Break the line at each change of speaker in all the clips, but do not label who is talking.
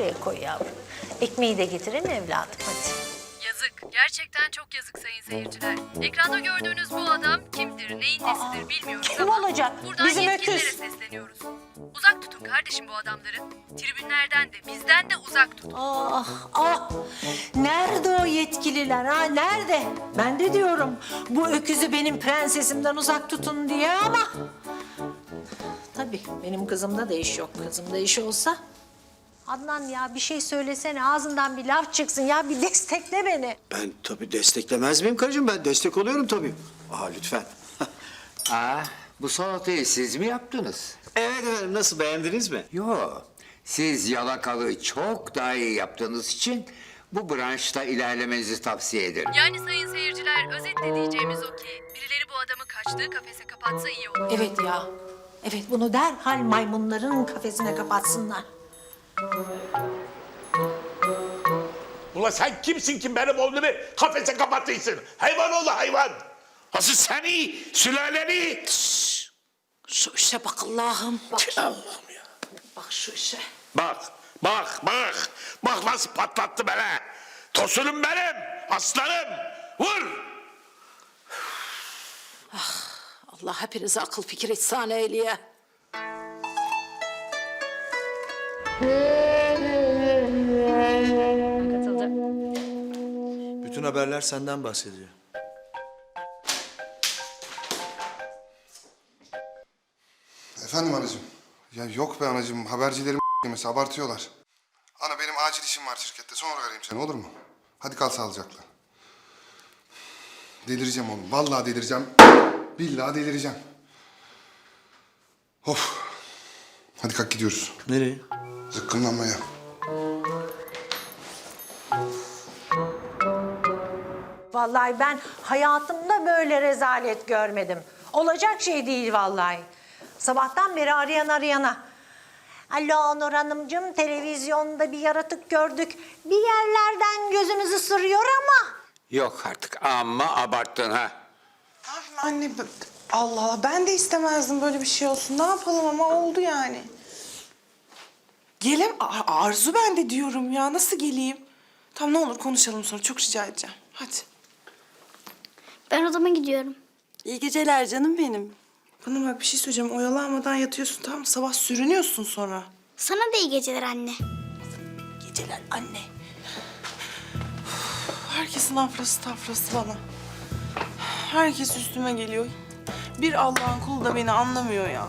şuraya koy yavrum. Ekmeği de getirin evladım hadi.
Yazık. Gerçekten çok yazık sayın seyirciler. Ekranda gördüğünüz bu adam kimdir, neyin nesidir bilmiyoruz
kim
ama
olacak?
buradan
Bizim
yetkililere
öküz.
sesleniyoruz. Uzak tutun kardeşim bu adamları. Tribünlerden de bizden de uzak tutun.
Ah ah, nerede o yetkililer ha, nerede? Ben de diyorum bu öküzü benim prensesimden uzak tutun diye ama... Tabii benim kızımda da iş yok, kızımda iş olsa... Adnan ya bir şey söylesene, ağzından bir laf çıksın ya, bir destekle beni.
Ben tabii desteklemez miyim karıcığım? Ben destek oluyorum tabii. Lütfen.
Bu salatayı siz mi yaptınız?
Evet efendim, nasıl, beğendiniz mi?
Yo, siz yalakalığı çok daha iyi yaptığınız için bu branşta ilerlemenizi tavsiye ederim.
Yani sayın seyirciler özetle diyeceğimiz o ki birileri bu adamı kaçtığı kafese kapatsa iyi olur.
Evet ya, evet bunu derhal maymunların kafesine kapatsınlar.
Ulan sen kimsin ki benim oğlumu kafese kapattıysın? Hayvan oğlu hayvan. Asıl seni, sülaleni.
Şu işe bak Allah'ım, bak.
Allah'ım ya.
Bak şu işe.
Bak, bak, bak. Bak nasıl patlattı beni. Tosunum benim, aslanım. Vur.
Allah hepinize akıl fikir ihsan eyleye.
Bütün haberler senden bahsediyor.
Efendim anacığım. Ya yok be anacığım. Habercilerim yemesi abartıyorlar. Ana benim acil işim var şirkette. Sonra arayayım seni, olur mu? Hadi kal sağlıcakla. Delireceğim oğlum. Vallahi delireceğim. Billahi delireceğim. Of. Hadi kalk gidiyoruz.
Nereye?
Zıkkımlanmaya.
Vallahi ben hayatımda böyle rezalet görmedim. Olacak şey değil vallahi. Sabahtan beri arayana. Alo Nur Hanımcığım, televizyonda bir yaratık gördük. Bir yerlerden gözümüzü sırıyor ama...
Yok artık, amma abarttın ha.
Ne yapayım anne? Allah Allah, ben de istemezdim böyle bir şey olsun. Ne yapalım ama oldu yani. Arzu ben de diyorum ya. Nasıl geleyim? Tamam ne olur konuşalım sonra. Çok rica edeceğim. Hadi.
Ben odama gidiyorum.
İyi geceler canım benim.
Bana bak bir şey söyleyeceğim. Oyalanmadan yatıyorsun tamam mı? Sabah sürünüyorsun sonra.
Sana da iyi geceler anne.
Geceler anne. Herkesin afrası tafrası bana. Herkes üstüme geliyor. Bir Allah'ın kulu da beni anlamıyor ya.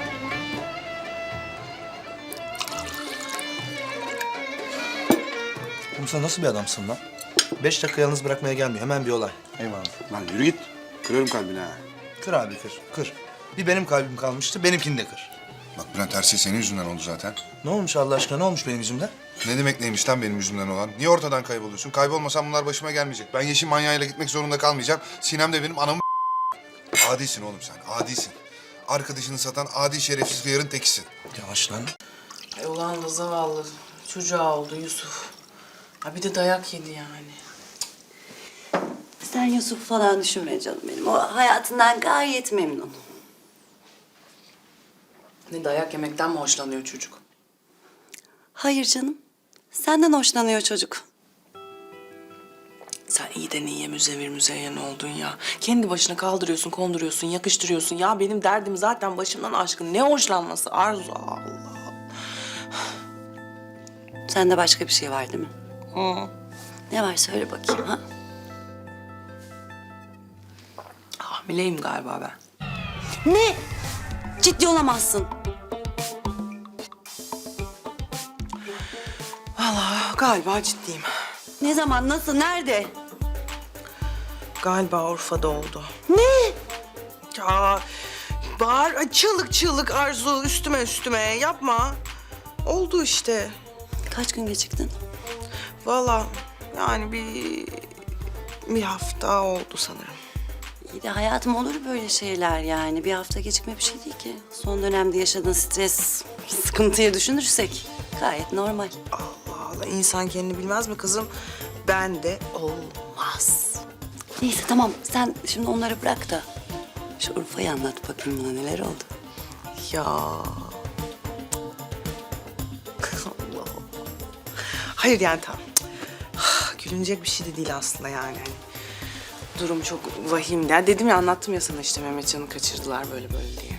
Oğlum sen nasıl bir adamsın lan? 5 dakika yalnız bırakmaya gelmiyor. Hemen bir olay. Eyvallah.
Lan yürü git. Kırarım kalbini ha.
Kır abi kır. Kır. Bir benim kalbim kalmıştı. Benimkini de kır.
Bak Bülent, her şey senin yüzünden oldu zaten.
Ne olmuş Allah aşkına? Ne olmuş benim yüzümden?
Ne demek neymiş lan benim yüzümden olan? Niye ortadan kayboluyorsun? Kaybolmasam bunlar başıma gelmeyecek. Ben yeşil manyağıyla gitmek zorunda kalmayacağım. Sinem de benim anamı... Adisin oğlum sen, adisin. Arkadaşını satan adi şerefsiz hıyarın tekisin.
Yavaş lan.
Ay ulan da zavallı çocuğa oldu Yusuf. Ha bir de dayak yedi yani.
Sen Yusuf falan düşünme canım benim. O hayatından gayet memnun.
Ne dayak yemekten mi hoşlanıyor çocuk?
Hayır canım. Senden hoşlanıyor çocuk.
Sen iyiden iyiye müzevir müzeyyen oldun ya. Kendi başına kaldırıyorsun, konduruyorsun, yakıştırıyorsun. Ya benim derdim zaten başımdan aşkın. Ne hoşlanması Arzu Allah.
Sende başka bir şey var değil mi?
Hı.
Ne var söyle bakayım ha?
Hamileyim galiba ben.
Ne? Ciddi olamazsın.
Vallahi galiba ciddiyim.
Ne zaman, nasıl, nerede?
Galiba Urfa'da oldu.
Ne?
Ya bağır, ay, çığlık Arzu üstüme yapma. Oldu işte.
Kaç gün geciktin?
Vallahi yani bir hafta oldu sanırım.
İyi de hayatım olur böyle şeyler yani. Bir hafta gecikme bir şey değil ki. Son dönemde yaşadığın stres, sıkıntıyı düşünürsek gayet normal.
Allah Allah, insan kendini bilmez mi kızım? Ben de olmaz.
Neyse tamam, sen şimdi onları bırak da şu Urfa'yı anlat bakayım, bana neler oldu.
Ya. Allah. Hayır yani tamam. Gülünecek bir şey de değil aslında yani. Hani durum çok vahim. Ya dedim ya, anlattım ya sana işte Mehmetcan'ı kaçırdılar böyle diye.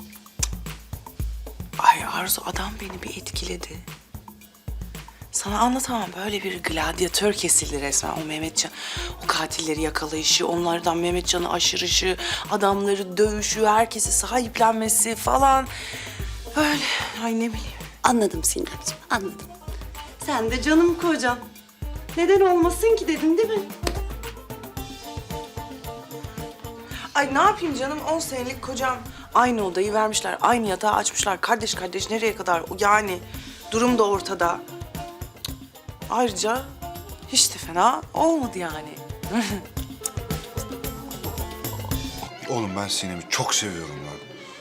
Ay Arzu, adam beni bir etkiledi. Sana anlatamam, böyle bir gladyatör kesildi resmen o Mehmetcan. O katilleri yakalayışı, onlardan Mehmetcan'ı aşırışı, adamları dövüşü, herkesi sahiplenmesi falan. Öyle, ay ne bileyim.
Anladım Sinemciğim, anladım. Sen de canım kocam. Neden olmasın ki dedin değil mi?
Ay ne yapayım canım, 10 senelik kocam. Aynı odayı vermişler, aynı yatağı açmışlar. Kardeş kardeş nereye kadar? Yani durum da ortada. Ayrıca hiç de fena olmadı yani.
Oğlum ben Sinem'i çok seviyorum lan.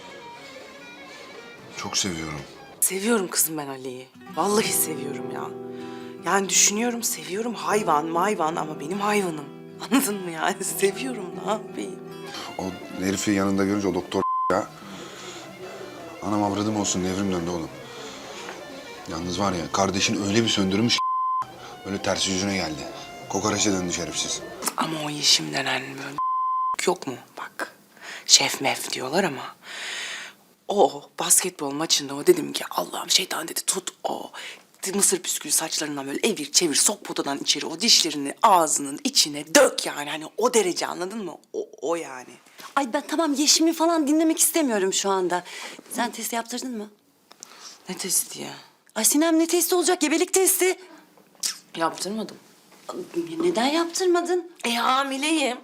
Çok seviyorum.
Seviyorum kızım ben Ali'yi. Vallahi seviyorum ya. Yani düşünüyorum, seviyorum, hayvan mayvan ama benim hayvanım. Anladın mı yani? Seviyorum, ne yapayım?
O herifi yanında görünce o doktor ya. Anam avradım olsun, devrim döndü oğlum. Yalnız var ya, kardeşin öyle bir söndürmüş böyle ters yüzüne geldi. Kokoreçe döndü şerefsiz.
Ama o Yeşim denen böyle yok mu? Bak, şef mef diyorlar ama... O basketbol maçında o dedim ki Allah'ım şeytan dedi tut o mısır püskülü saçlarından böyle evir çevir sok potadan içeri o dişlerini ağzının içine dök yani hani o derece, anladın mı? O yani.
Ay ben tamam Yeşim'i falan dinlemek istemiyorum şu anda. Sen testi yaptırdın mı?
Ne testi ya?
Ay Sinem ne testi olacak? Gebelik testi.
Yaptırmadım.
Neden yaptırmadın?
Hamileyim.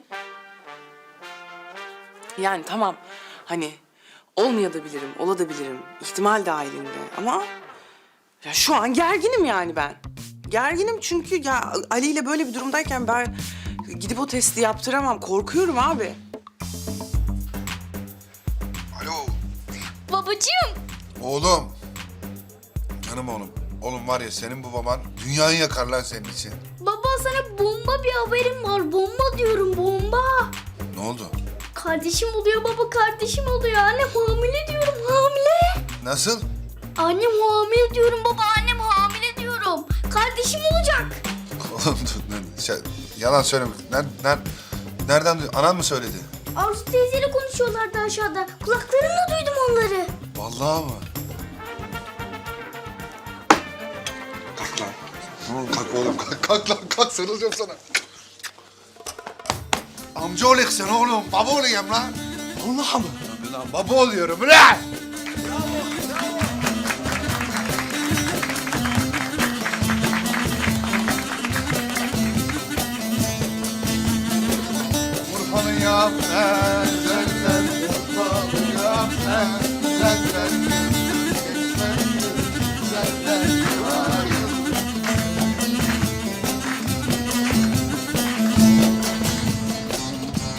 Yani tamam hani olmayabilirim, olabilirim. İhtimal dahilinde ama ya şu an gerginim yani ben. Gerginim çünkü ya Ali ile böyle bir durumdayken ben gidip o testi yaptıramam. Korkuyorum abi.
Alo.
Babacığım.
Oğlum. Canım oğlum. Oğlum var ya, senin bu baban dünyayı yakar lan senin için.
Baba sana bomba bir haberim var. Bomba diyorum, bomba.
Ne oldu?
Kardeşim oluyor baba, kardeşim oluyor. Annem hamile diyorum, hamile.
Nasıl?
Annem hamile diyorum baba, annem hamile diyorum. Kardeşim olacak.
Oğlum yalan söyleme. Nereden duydun? Anan mı söyledi?
Arzu teyzeyle konuşuyorlardı aşağıda. Kulaklarımla duydum onları.
Vallahi mı? Kalk lan. Kalk oğlum, kalk lan, kalk, sarılacağım sana. Amca olacaksın oğlum, baba olayım lan. Vallahi mı? Lan baba oluyorum lan. Urfa'nın ya.